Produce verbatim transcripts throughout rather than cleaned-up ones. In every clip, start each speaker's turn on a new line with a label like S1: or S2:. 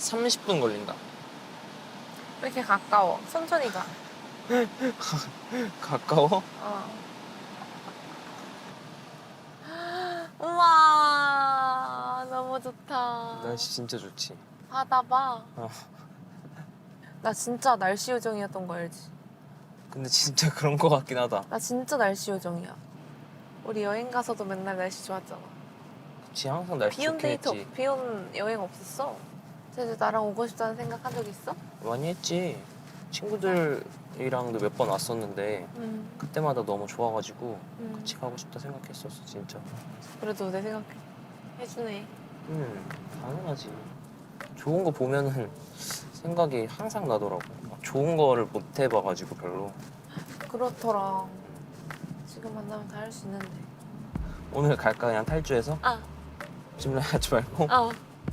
S1: 삼십 분 걸린다.
S2: 왜 이렇게 가까워? 천천히 가.
S1: 가까워?
S2: 어. 우와, 너무 좋다.
S1: 날씨 진짜 좋지.
S2: 바다 봐.
S1: 어.
S2: 나 진짜 날씨 요정이었던 거 알지?
S1: 근데 진짜 그런 거 같긴 하다.
S2: 나 진짜 날씨 요정이야. 우리 여행 가서도 맨날 날씨 좋았잖아.
S1: 그치, 항상 날씨
S2: 비온
S1: 좋긴
S2: 데이트,
S1: 했지.
S2: 비온 여행 없었어? 제주 나랑 오고 싶다는 생각 한 적 있어?
S1: 많이 했지. 친구들이랑도 몇 번 왔었는데
S2: 응.
S1: 그때마다 너무 좋아가지고
S2: 응.
S1: 같이 가고 싶다 생각했었어, 진짜.
S2: 그래도 내 생각 해주네.
S1: 응, 당연하지. 좋은 거 보면은 생각이 항상 나더라고. 막 좋은 거를 못 해봐가지고 별로.
S2: 그렇더라. 지금 만나면 다 할 수 있는데.
S1: 오늘 갈까, 그냥 탈주해서?
S2: 아,
S1: 짐라인 하지 말고.
S2: 어.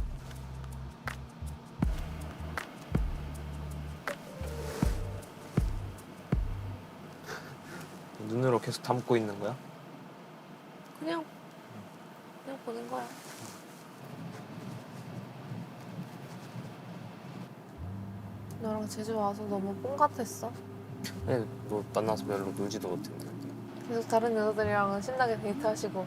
S1: 눈으로 계속 담고 있는 거야?
S2: 그냥 그냥 보는 거야. 너랑 제주 와서 너무 뽕 같았어.
S1: 근데 너 만나서 별로 놀지도 못했는데.
S2: 계속 다른 여자들이랑은 신나게 데이트하시고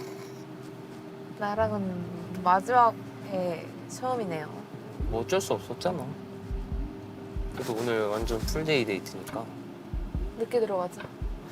S2: 나랑은 마지막에 처음이네요.
S1: 뭐 어쩔 수 없었잖아. 그래도 오늘 완전 풀데이 데이트니까.
S2: 늦게 들어가자.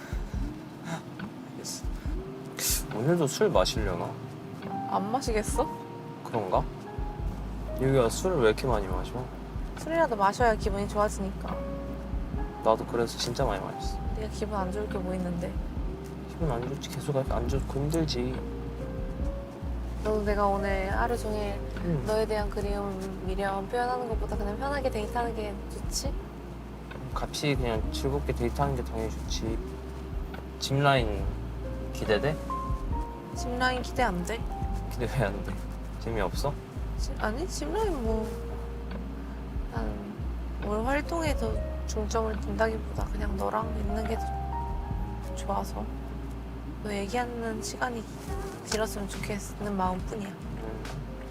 S1: 알겠어. 오늘도 술 마시려나?
S2: 안 마시겠어?
S1: 그런가? 여기가 술을 왜 이렇게 많이 마셔?
S2: 술이라도 마셔야 기분이 좋아지니까.
S1: 나도 그래서 진짜 많이 마셨어.
S2: 네가 기분 안 좋을 게 뭐 있는데.
S1: 기분 안 좋지. 계속 안 좋고 힘들지.
S2: 너도 내가 오늘 하루 종일
S1: 응.
S2: 너에 대한 그리움, 미련 표현하는 것보다 그냥 편하게 데이트하는 게 좋지?
S1: 같이 그냥 즐겁게 데이트하는 게 당연히 좋지. 짚라인 기대돼?
S2: 짚라인 기대 안 돼?
S1: 기대 왜 안 돼? 재미없어?
S2: 지- 아니 짚라인 뭐... 난 오늘 활동에 더 중점을 둔다기보다 그냥 너랑 있는 게 더 좋아서 너 얘기하는 시간이 길었으면 좋겠는 마음뿐이야.
S1: 음.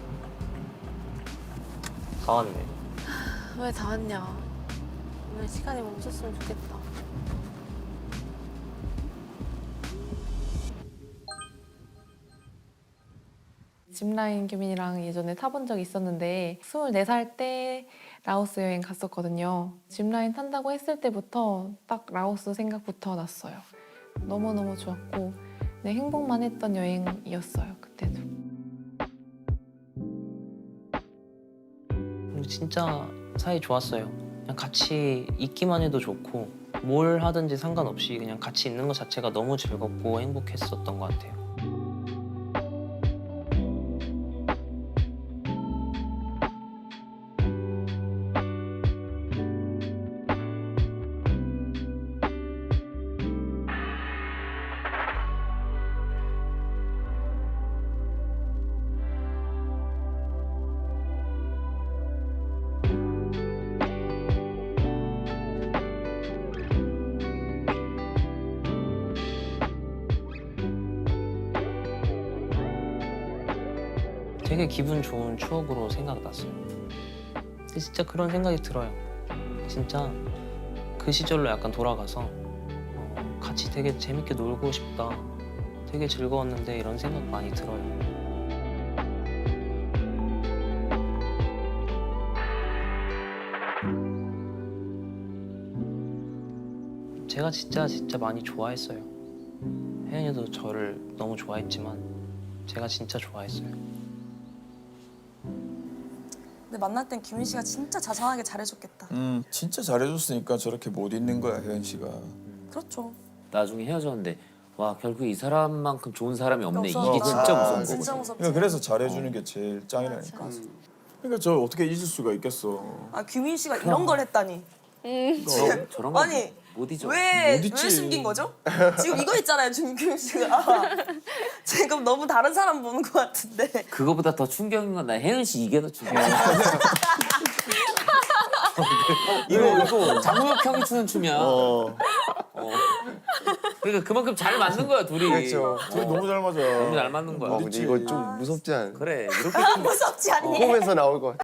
S1: 다 왔네.
S2: 왜 다 왔냐? 오늘 시간이 멈췄으면 좋겠다. 짚라인 규민이랑 예전에 타본 적이 있었는데 스물네 살 때 라오스 여행 갔었거든요. 짚라인 탄다고 했을 때부터 딱 라오스 생각부터 났어요. 너무너무 좋았고 네, 행복만 했던 여행이었어요, 그때도.
S1: 근데 진짜 사이 좋았어요. 그냥 같이 있기만 해도 좋고 뭘 하든지 상관없이 그냥 같이 있는 것 자체가 너무 즐겁고 행복했었던 것 같아요. 되게 기분 좋은 추억으로 생각났어요. 근데 진짜 그런 생각이 들어요. 진짜 그 시절로 약간 돌아가서 어, 같이 되게 재밌게 놀고 싶다. 되게 즐거웠는데 이런 생각 많이 들어요. 제가 진짜 진짜 많이 좋아했어요. 혜연이도 저를 너무 좋아했지만 제가 진짜 좋아했어요.
S3: 근데 만날 땐 규민 씨가 진짜 자상하게 잘해줬겠다.
S4: 음, 진짜 잘해줬으니까 저렇게 못 있는 거야, 혜연 씨가.
S3: 그렇죠.
S5: 나중에 헤어졌는데 와 결국 이 사람만큼 좋은 사람이 없네.
S3: 없어.
S5: 이게 진짜
S4: 아,
S5: 무서운 거거든.
S3: 진짜 무섭지.
S4: 그러니까 그래서 잘해주는 게 제일 짱이라니까.
S3: 맞아.
S4: 그러니까 저 어떻게 잊을 수가 있겠어.
S3: 아 규민 씨가 이런 걸 했다니.
S5: 저런, 저런 거
S3: 아니
S5: 못 잊어.
S3: 왜,
S4: 못 잊지.
S3: 왜 숨긴 거죠? 지금 이거 있잖아요, 지금 규민 씨가. 지금 너무 다른 사람 보는 것 같은데.
S5: 그거보다 더 충격인 건 나 혜연 씨 이게 더 충격이야. 이거 이거 장우혁 형이 추는 춤이야. 어.
S4: 어,
S5: 그러니까 그만큼 잘 맞는 거야 둘이.
S6: 그렇죠.
S4: 둘이 너무 잘 맞아.
S5: 너무 잘 맞는 거야.
S6: 어, 근데 이거 좀 무섭지 않아?
S5: 그래 이렇게
S3: 아, 무섭지 않니?
S6: 꿈에서 나올 것 같아.